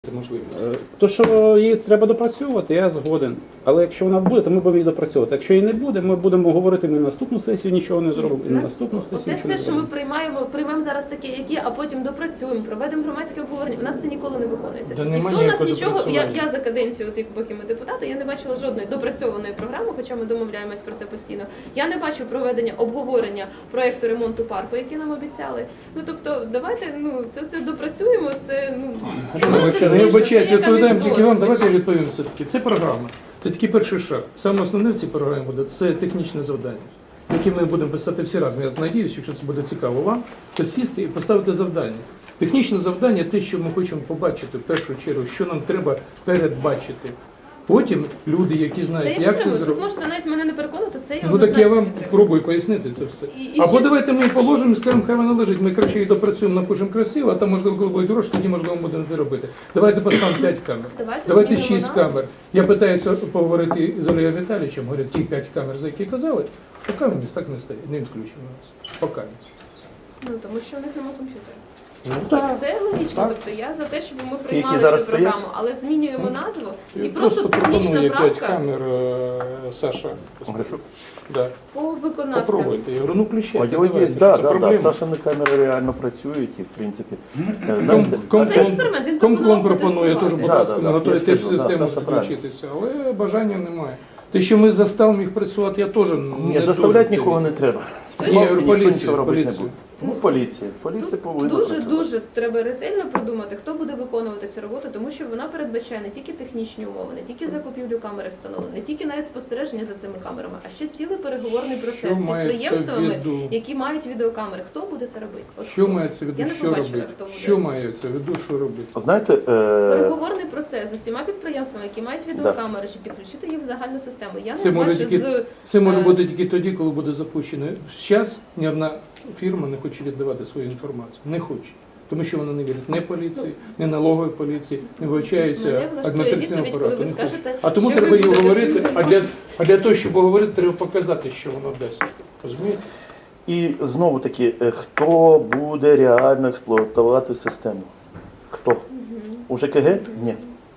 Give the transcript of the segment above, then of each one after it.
можливість. То, що її треба допрацьовувати, я згоден. Але якщо вона буде, то ми будемо її допрацьовувати. Якщо її не буде, ми будемо говорити, ми на наступну сесію нічого не зробимо, і на наступну сесію Те нічого не все, що ми зробимо. приймемо зараз таке, які, а потім допрацюємо, проведемо громадське обговорення. У нас це ніколи не виконується. Да Тобто нема ніхто у нас ніякого нічого, допрацювання. я за каденцію, от, поки ми депутати, я не бачила жодної допрацьованої програми, хоча ми домовляємось про це постійно. Я не бачу проведення обговорення проєкту ремонту парку, який нам обіцяли. Ну тобто, давайте це допрацюємо. Це Я вибачаюсь, відповідаємо тільки вам, давайте я відповім. відповім все-таки. Це програма. Це тільки перший шаг. Саме основне в цій програмі буде це технічне завдання, яке ми будемо писати всі разом. Я сподіваюся, якщо це буде цікаво вам, то сісти і поставити завдання. Технічне завдання те, що ми хочемо побачити в першу чергу, що нам треба передбачити. Потім люди, які Це знають, я як це підтримую. Тут зробити. можете навіть мене не переконати, це я Ну так я вам однозначно підтримую. пробую пояснити це все. І Або ще- давайте ми положимо і скажемо, хай вона лежить, ми краще її допрацюємо, напишемо красиво, а там можливо коли буде дорожче, тоді можливо будемо це робити. Давайте поставимо 5 камер. Давайте змінимо 6 назву. камер. Я питаюся поговорити з Олеєм Віталійовичем, говорю, ті 5 камер, за які казали, поки вони так не стоять, не відключено нас. Поки. Ну, тому що у них немає комп'ютера. Ну, Так, все логічно. Так. Тобто я за те, щоб ми приймали зараз цю програму, стоять? але змінюємо назву і Просто просто технічна пропонує 5 правка камер, Саша. Гришук? Да. по виконавцям. Попробуйте. Я говорю, ну включайте. Діло є, давайте, да, це да, да. проблема. Сашини камери реально працюють і, в принципі, Це Комплон експеримент, він пропонує пропонував теж, будь Да, ласка, да, да, готові я теж скажу, да, систему Саша правильно. включитися, але бажання немає. Те, що ми заставимо їх працювати, я теж Ні, не заставляти дуже нікого не треба. Ні, Ні, Ніхто поліцію, нічого робити не поліцію. буде. Ну, поліція. Поліція повинна працювати. Дуже треба ретельно продумати, хто буде виконувати цю роботу, тому що вона передбачає не тільки технічні умови, не тільки закупівлю камери встановлення, не тільки навіть спостереження за цими камерами, а ще цілий переговорний процес з мається в підприємствами, виду? які мають відеокамери. Хто буде це робити? От Що хто? мається в виду, Я не що побачила, робити? хто буде. Що мається в виду, що робити? Знаєте, Переговорний процес з усіма підприємствами, які мають відеокамери, щоб підключити їх в загальну систему. Я Це не може бачу тільки- Це може бути тільки тоді, коли буде запущено. Зараз ні одна фірма не хоче віддавати свою інформацію. Не хоче. Тому що вона не вірить ні поліції, ні налогової поліції, не вивчається Мене влаштує адміністративним відповідь, коли апаратом. ви Не хоче. скажете, А тому що треба ви її будете говорити, цим а для того, щоб говорити, треба показати, що воно дасть. Розумієте? і знову таки, хто буде реально експлуатувати систему? Хто? У ЖКГ? Ні.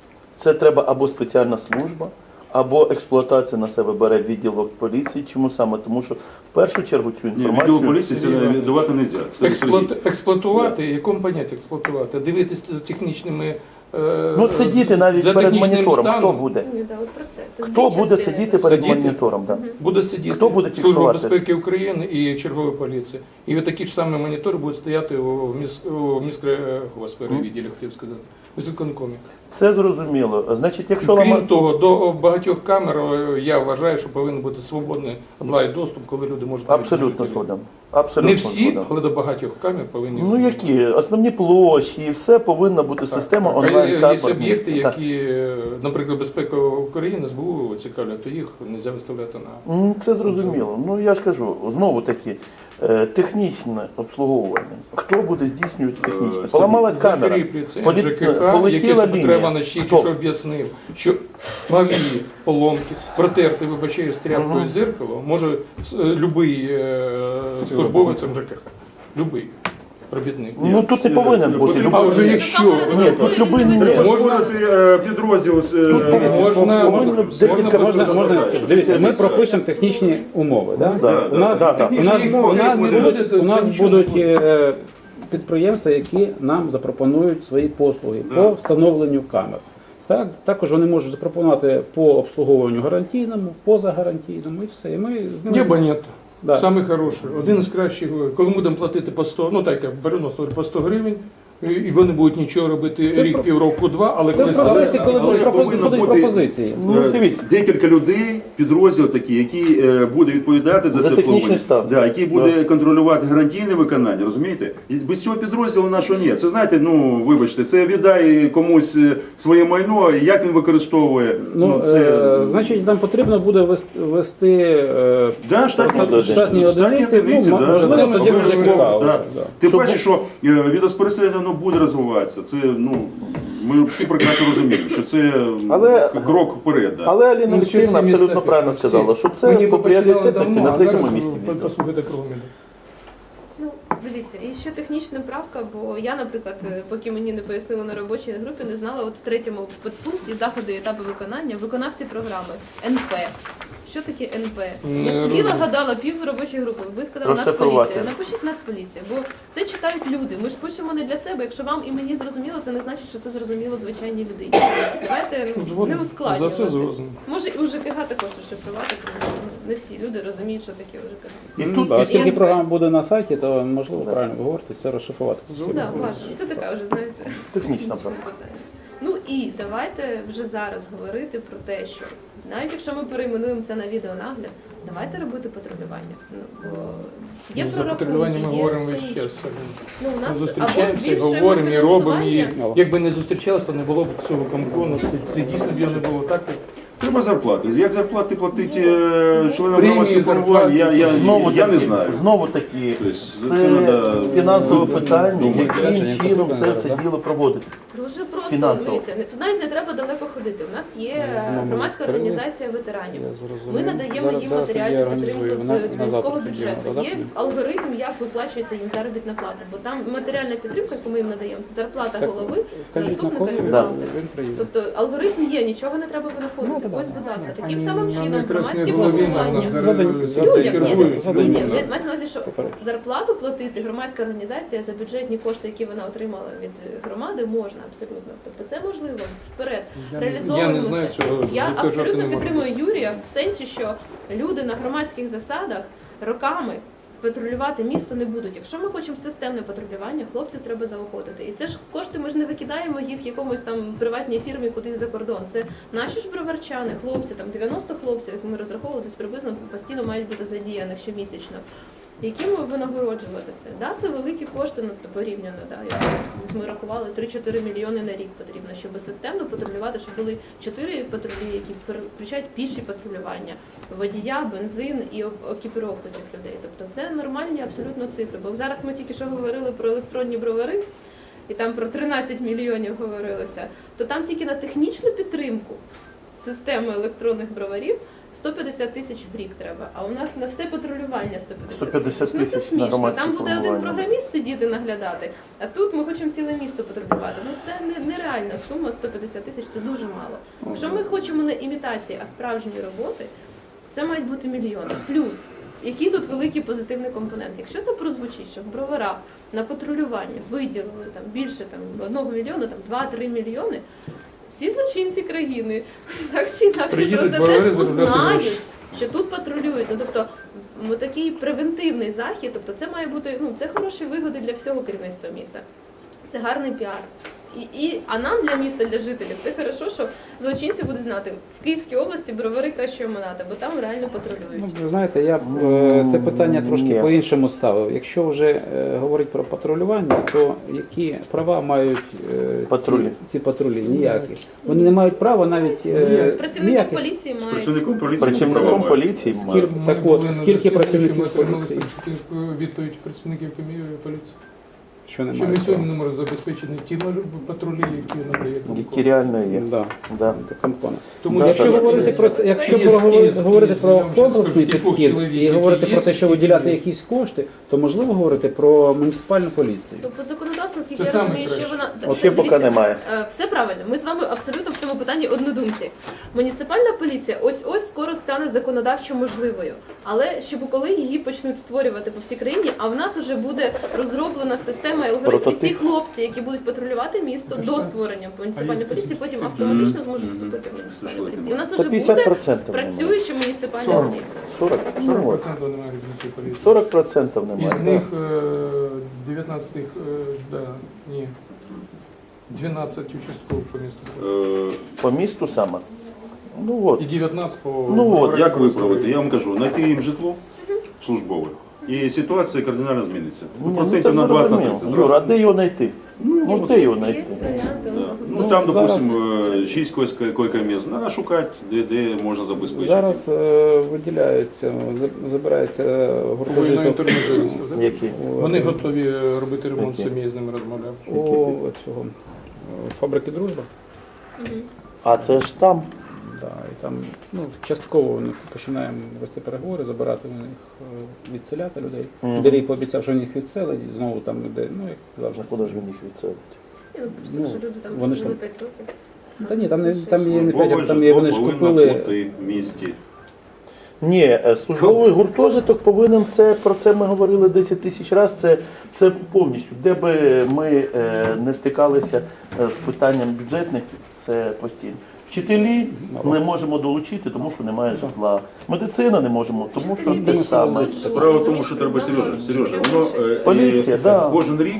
Це треба або спеціальна служба, або експлуатація на себе бере відділок поліції. Чому саме? Тому що в першу чергу цю Ні, відділу інформацію... поліції це давати не можна. Експлуатувати, якому поняття експлуатувати? Дивитися за технічними Ну, сидіти навіть за перед технічним монітором. Хто станом. буде? Ні, да, от про це. Це Хто дві буде частини. сидіти перед Сидіти? монітором? Да. Буде сидіти Хто буде Служба фіксувати? безпеки України і чергова поліція. І такі ж самі монітори будуть стояти у відділі, хотів сказати, у виконкомі. Це зрозуміло. Значить, якщо Крім ламати... того, до багатьох камер я вважаю, що повинен бути свободний онлайн-доступ, коли люди можуть... Абсолютно згоден. Абсолютно Не всі, згоден. але до багатьох камер повинні Ну бути. які? Основні площі, і все повинна бути система Так. онлайн-камер. Є об'єкти, місця. Так. які, наприклад, безпека України, СБУ цікавлять, то їх не можна виставляти на... Це зрозуміло. Ну я ж кажу, знову таки, технічне обслуговування. Хто буде здійснювати технічне? Поламалась камера. Закріплюється Полі- ЖКХ, який полетіла Петро лінія. Іванович тільки Хто? що об'яснив, що малі поломки, протерти, вибачаю, з тряпкою Мгм. зеркало, може любий службовець ЖКХ, любий робітник. Ну тут не повинен бути. А вже любий. якщо... Ні, тут любий не Треба Можна- створити підрозділ з... Можна декілька Можна, дивіться, ми пропишемо технічні умови. Да? Да, У нас, да, да. у нас будуть підприємства, які нам запропонують свої послуги по встановленню камер. Так, також вони можуть запропонувати по обслуговуванню гарантійному, позагарантійному і все. І ми з ними... Небо нет. Да. Саме хороше. Один з кращих, коли ми будемо платити по 100, ну так, я беру по 100 гривень, і вони будуть нічого робити Це рік, про- півроку, два, але Це коли в процесі, стане- коли Але будуть повинно бути- пропозиції. Ну, дивіться. Декілька людей, підрозділ такий, який буде відповідати за За це технічний обслуговування. стан. Да, який буде контролювати гарантійне виконання, розумієте? І без цього підрозділу нашого ні. Це, знаєте, ну, вибачте, це віддай комусь своє майно, і як він використовує. Значить, нам потрібно буде вести Да, штатні одиниці, да, можливо, це тоді вже обов'язково, цікаво. да. Да. Ти Щоб- бачиш, що відеоспостереження воно буде розвиватися. Це, ну, ми всі прекрасно розуміємо, що це Але- крок вперед. Да. Але Аліна Ну, Олексіївна всі абсолютно міста, правильно всі. сказала, що Ми це ніби по починали пріоритетності давно, на а третьому зараз місці. послухайте кругом іде. Ну, дивіться, Дивіться, і ще технічна правка, бо я, наприклад, поки мені не пояснили на робочій групі, не знала, от в 3-му підпункті заходи і етапи виконання, виконавці програми, НП. Що таке НП? Я сиділа, гадала, пів робочої групи, ви сказали Розшифрувати. Нацполіція. Напишіть Нацполіція, бо це читають люди. Ми ж пишемо не для себе. Якщо вам і мені зрозуміло, це не значить, що це зрозуміло звичайній людині. Давайте не За ускладнювати. це згоден. Може і у ЖКГ також розшифрувати, тому що не всі люди розуміють, що таке у ЖКГ. І Ну, тут да, оскільки і- програма буде на сайті, то можливо правильно ви говорите, це розшифрувати. Ну, Так, важливо. Це така вже, знаєте, технічна інше правка. питання. Ну і давайте вже зараз говорити про те, що навіть якщо ми перейменуємо це на відеонагляд, давайте робити патрулювання. Ну, бо є За патрулювання ми прорахунки, є говоримо все весь інше. час. Ну, у Ми нас або зустрічаємося, збільшуємо говоримо і робимо. І фінансування. якби не зустрічалися, то не було б цього комкону. Це дійсно б його не було так. Треба зарплати. Як зарплати платить членам Премії, громадських формувань, я не знаю. Знову таки, Тобто, це це надо фінансове питання, думати. яким чином це все Да. діло проводити. Дуже просто, Фінансово. дивіться, тут навіть не треба далеко ходити. У нас є громадська організація ветеранів. Ми надаємо їм матеріальну підтримку з міського бюджету. Є алгоритм, як виплачується їм заробітна плата. Бо там матеріальна підтримка, яку ми їм надаємо, це зарплата Так, голови, Кажіть на заступника кого, і Да. бухгалтера. він приїде. Тобто алгоритм є, нічого не треба винаходити. Ось, будь ласка, таким самим чином громадське формування. Ні, ні, мається на увазі, що зарплату платити громадська організація за бюджетні кошти, які вона отримала від громади, можна абсолютно. Тобто це можливо вперед. Я не Реалізовуємо знаю, це. цього Я затверджувати абсолютно не можна. підтримую Юрія в сенсі, що люди на громадських засадах роками патрулювати місто не будуть. Якщо ми хочемо системне патрулювання, хлопців треба заохотити. І це ж кошти, ми ж не викидаємо їх якомусь там приватній фірмі кудись за кордон. Це наші ж броварчани, хлопці, там 90 хлопців, які ми розраховували, десь приблизно постійно мають бути задіяних щомісячно. Яким винагороджувати це? Да, це великі кошти, ну, порівняно. Да, ми рахували 3-4 мільйони на рік потрібно, щоб системно патрулювати, щоб були 4 патрулі, які включають піші патрулювання, водія, бензин і екіпіровку цих людей. Тобто це нормальні абсолютно цифри. Бо зараз ми тільки що говорили про електронні бровари, і там про 13 мільйонів говорилося, то там тільки на технічну підтримку системи електронних броварів 150 тисяч в рік треба, а у нас на все патрулювання 150 Ну, це тисяч на смішно. громадське Там буде один формування. програміст сидіти наглядати, а тут ми хочемо ціле місто патрулювати. Ну це нереальна сума, 150 тисяч це дуже мало. Якщо ми хочемо не імітації, а справжньої роботи, це мають бути мільйони. Плюс, який тут великий позитивний компонент. Якщо це прозвучить, що в броварах на патрулювання виділили там більше там 1 мільйона, там 2-3 мільйони, всі злочинці країни так чи інакше про Приїдуть це бровари теж заробляти гроші. узнають, що тут патрулюють. Ну тобто такий превентивний захід, тобто це має бути, ну це хороші вигоди для всього керівництва міста. Це гарний піар. А нам для міста, для жителів, це хорошо, що злочинці будуть знати, в Київській області бровари кращої монати, бо там реально патрулюють. Ну, ви знаєте, я б це питання трошки Ні. по-іншому ставив. Якщо вже говорить про патрулювання, то які права мають Патрулі. ці патрулі? Ніякі. Вони не мають права навіть З працівником ніяких. поліції З мають. працівником поліції Працівником права. поліції має. Так от, скільки працівників поліції? Відповідь працівників поліції. Що Що ми немає сьогодні права? не можемо забезпечити ті патрулі, які надає Які Комком. реально є. Да. Да. Компони. Тому Да, Якщо так. говорити про це, якщо Із- говорити із- про я вам щас комплексний скажу, скількох підхід чоловік, і які говорити є, про те, що скільки виділяти є. якісь кошти, то можливо говорити про муніципальну поліцію. То по законодавству, наскільки Це я саме розумію, що краще. вона Оце поки дивіться, немає. Все правильно. Ми з вами абсолютно в цьому питанні однодумці. Муніципальна поліція ось скоро стане законодавчо можливою. Але щоб коли її почнуть створювати по всій країні, а в нас вже буде розроблена система і алгоритм. І Прототип. ці хлопці, які будуть патрулювати місто до створення муніципальної поліції, потім автоматично зможуть вступити в муніципальну поліцію. І у нас Та вже буде 50% немає. працююча муніципальна 40. поліція. 40. Ну, 40% от. немає громадської поліції. 40% Із немає. них 19, да, ні, 12 участкових по місту. Е, По місту саме. Ну от. І 19 по... Ну, от, Як виправити? Я вам кажу, знайти їм житло службове. І ситуація кардинально зміниться. Ну, Процентів це на 20 на зрозуміло. 30. Юра, а де його знайти? Ну, де його Є знайти? варіанти. Да. Ну, Ну там, зараз- допустим, 6 койко-місць. Треба шукати, де можна забезпечити. Зараз виділяються, забирається Воєнного гуртожиток інтернет-журналістів, так? Які? Вони готові робити ремонт Які? самі, я з ними розмовляв. у цього фабрики «Дружба». мгм. А це ж там. Да, і там частково ми починаємо вести переговори, забирати у них, відселяти людей. Мгм. Дерій пообіцяв, що він їх відселить, і знову там людей, як завжди. Куди ж він їх відселить? Тому що люди там вони ж жили там- 5 років. Та ні, там є не Службове 5, там є, вони ж житло купили. повинно бути в місті. Ні, службовий гуртожиток повинен про це ми говорили 10 тисяч разів, це повністю. Де би ми не стикалися з питанням бюджетників, це постійно. Вчителі не можемо долучити, тому що немає житла. Медицина не можемо, тому що те саме. Справа в тому, що треба Сережа, воно Поліція, да. кожен рік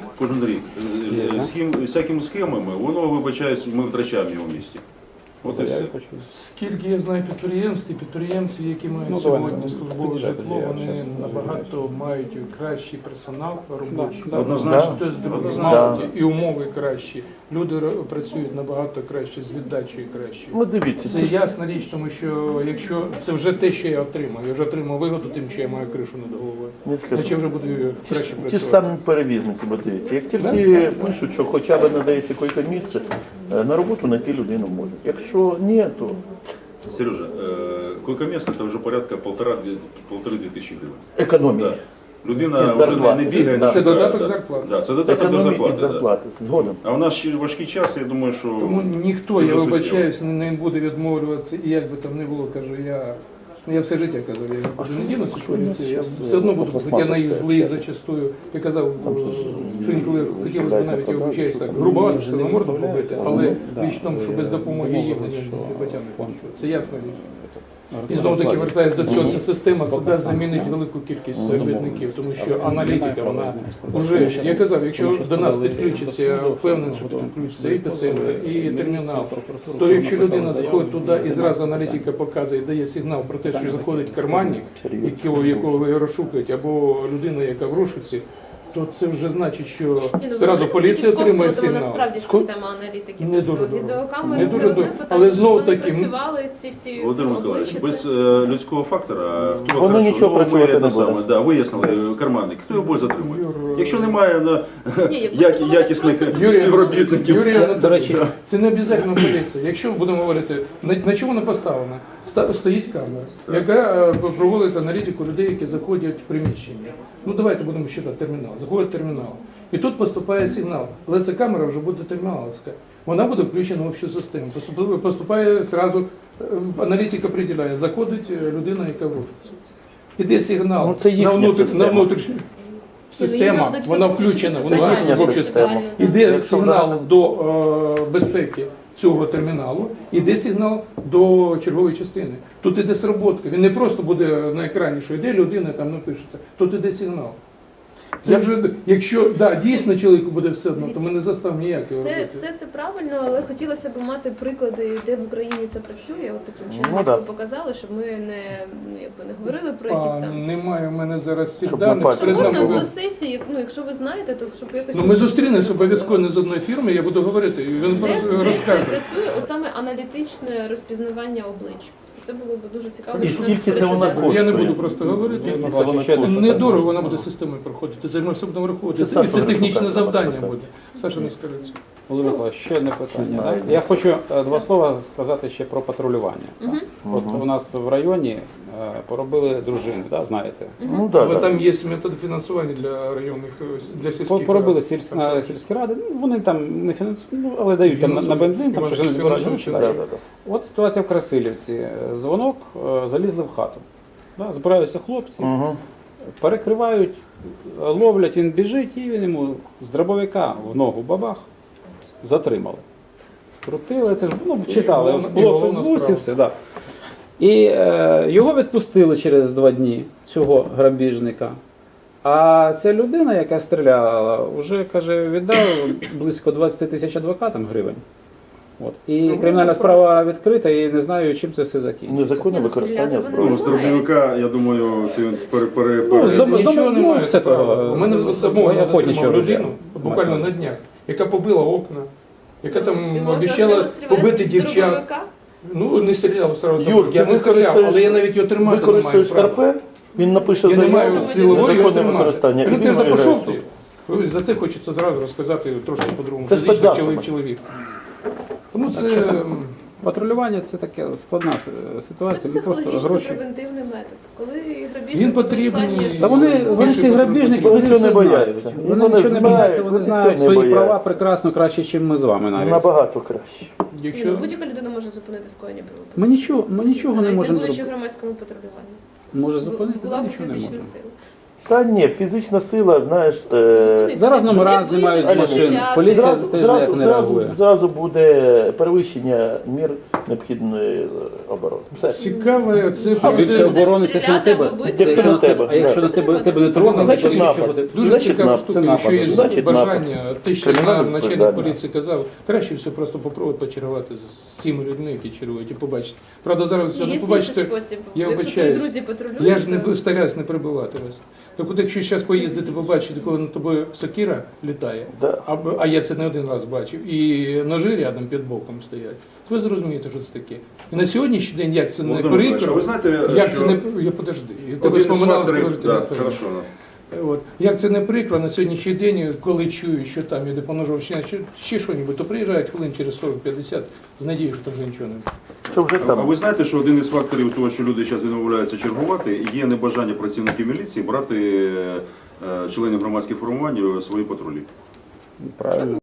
всякими схемами, воно, вибачаюсь, ми втрачаємо його в місті. От і все. Скільки я знаю підприємств, і підприємці, які мають Ну, давай, сьогодні ну, службове під'їжджай, житло, я вони щас набагато мають кращий персонал робочий. Да, однозначно. Тобто, Однозначно. і умови кращі. Люди працюють набагато краще, з віддачею краще. Ну дивіться, Це ясна річ, тому що якщо це вже те, що я отримав, я вже отримав вигоду тим, що я маю кришу над головою. не скажу. Значить, я вже буду краще Ті ж працювати. самі перевізники, бо дивіться, як тільки пишуть, що хоча б надається койке місце, на роботу знайти людину можуть. Якщо ні, то Сережа, койко-место – це вже порядка 1,5-2 тисячі гривень. економія. Да. Людина Із вже зарплати. не бігає, Да. не Це шукає. додаток Да. зарплати. Да, це додаток до Економія зарплати. із Да. зарплати. Згодом. А в наш ще важкий час, я думаю, що Тому ніхто, дуже я суттєво. вибачаюсь, не буде відмовлюватися, і як би там не було, кажу, я все життя казав, я нікуди не дінуся з поліції, я все одно буду, хоча я на їх злий зачастую. Я казав, що інколи хотілося б навіть, я вибачаюсь, так грубовато, що на морду побити, але річ в тому, що без допомоги їм не батями. Це ясно річ. І знову таки вертаюсь до цього, ця система це дасть замінити велику кількість робітників, тому що аналітика, вона вже, я казав, якщо до нас підключиться, я впевнений, що підключиться і епіцентр, і термінал, то якщо людина заходить туди і зразу аналітика показує, дає сигнал про те, що заходить карманник, якого ви розшукуєте, або людина, яка в розшуці, то це вже значить, що Ні, ну, зразу знаєте, поліція скільки отримує коштуватиме сигнал. насправді система аналітики? Не Тобто дуже дорого. відеокамери Не це дуже одне дорого. питання, Але щоб знову вони таки, працювали ці всі Володимир Миколаївич, обличчя, без це- людського фактора, хто Воно хорошо, нічого ну, ми працювати те не саме, буде. да, вияснили карманник, хто його буде затримує? Юр, Якщо немає Ні, якби це було якісних просто- співробітників. Юрій Анатолійович, До речі, це не обов'язково поліція. Якщо будемо говорити, на чому вона поставлена? Стоїть камера, яка проводить аналітику людей, які заходять в приміщення. Ну давайте будемо считати термінал. Заходить термінал. І тут поступає сигнал. Але ця камера вже буде терміналовська. Вона буде включена в общу систему. Поступає зразу, аналітика приділяє, заходить людина, яка в офісі. Іде сигнал Ну, це їхня на система. внутрішню. Система, будуть вона все включена, включити, вона це їхня в общу система. Іде Якщо сигнал взагалі- до безпеки цього терміналу, іде сигнал до чергової частини. Тут іде сработка. Він не просто буде на екрані, що йде людина, там напишеться. Тут іде сигнал. Це вже, якщо дійсно чоловіку буде все одно, то ми не заставимо ніякого робити. Все це правильно, але хотілося б мати приклади, де в Україні це працює, от таким чином, Ну, як да. ви показали, щоб ми не говорили про якісь там. Немає в мене зараз цих Щоб даних. на пальці Перед нами Можна ви- до сесії, якщо ви знаєте, то щоб якось. Ну ми зустрінемося обов'язково не з одної фірми, я буду говорити, і він Де це розкаже. працює, от саме аналітичне розпізнавання облич. Це було б дуже цікаво. І дізнатися скільки це вона прецедент. коштує? Я не буду просто говорити. Скільки Ну, це вона ще коштує? Недорого вона буде системою проходити. Це ми все будемо враховувати. Це І це Саша технічне Вершука треба завдання спитати. буде. Саша не скажеться. Володимир Миколаївич, ще одне питання. знаю. Так? Я хочу два слова сказати ще про патрулювання. Мгм. От у нас в районі поробили дружини, да, знаєте. Ну так, Але да. там є методи фінансування для районних, для сільських. Поробили рад. сільські ради, ну, вони там не фінансують, але дають там на бензин, там щось вони збирають гроші. Да, да. Да, да, да. От ситуація в Красилівці. Дзвонок, залізли в хату. Да, збираються хлопці, Мгм. перекривають, ловлять, він біжить, і він йому з дробовика в ногу бабах затримали. Скрутили, це ж читали, головна- було і в головна Фейсбуці, справа. все, да. І його відпустили через 2 дні, цього грабіжника. А ця людина, яка стріляла, вже каже, віддав близько 20 тисяч адвокатам гривень. От. І кримінальна справа відкрита, і не знаю, чим це все закінчиться. Незаконне використання Стріляти зброї. Ну, з дробовика, я думаю, це він Ну, з дому- Нічого немає. це справа. того, У мене самого я охотничого затримав ружя. людину, буквально на днях, яка побила окна, яка І там можна обіцяла демонструвати побити з дівчат. дробовика? Ну, не стріляв сразу. Юр, Я ти не стріляв, але я навіть його тримати не маю використаєш права. РП, він напише Я не маю заяву, силової його незаконне тримати. використання, і Ну, він ти виграє пішов суд. ти. За це хочеться зразу розказати трошки по-другому. Це Фізично спецзасоби. чоловік. Тому це Патрулювання це таке складна Це ситуація. Ми просто психологічно гроші. превентивний метод. Коли Він грабіжник потрібний. ускладнює Та вони Більше ці грабіжники, патрулювання. вони Вони цього все не знають. бояться. Вони Вони нічого не знають, бояться, вони вони знають цього не свої права бояться. прекрасно краще, ніж ми з вами навіть. Набагато краще. Якщо будь-яка людина може зупинити скоєння правопорушення. Ми нічого не Навіть можемо будучи в зробити. громадському патрулюванні. Може зупинити, Була та б нічого не фізична можемо. сила. Та ні, фізична сила, знаєш, Зупинити. Зараз Це номера не знімають з бити, машин. стріляти. Поліція зразу, теж зразу, ніяк не зразу, реагує. зразу буде перевищення мір необхідної оборони. Все. цікаве, це А просто більше оборони це якщо на тебе, Стріляти або бити. якщо на тебе, Якщо на а якщо на тебе не тронули, Значить, то напад. що буде? дуже Значить, цікава напад. штука, Це якщо є напад. Значить, бажання, те, що Кримінальна нам начальник відповідальність. поліції казав, краще все просто попробувати почергувати з цими людьми, які чергують, і побачити. Правда, зараз цього Є не інший побачите. спосіб. Я Якщо твої вибачаюсь. друзі патрулюють, Я ж то- не стараюсь не перебивати вас. Так от якщо зараз поїздити, побачити, коли над тобою сокира літає, Да. а я це не один раз бачив, і ножи рядом під боком стоять, то ви зрозумієте, що це таке. І на сьогоднішній день, як це не Володимир Михайлович, а прикро, ви знаєте, як що це не... Я подожди, я тебе один із споминав, факторів, скажу, ти да, не скажу. хорошо, да. От. Як це не прикро, на сьогоднішній день, коли чую, що там іде по ножовщині, ще що-небудь, то приїжджають хвилин через 40-50 з надією, що там вже нічого немає. Що вже А там? ви знаєте, що один із факторів того, що люди зараз відмовляються чергувати, є небажання працівників міліції брати членів громадських формувань у свої патрулі. Правильно.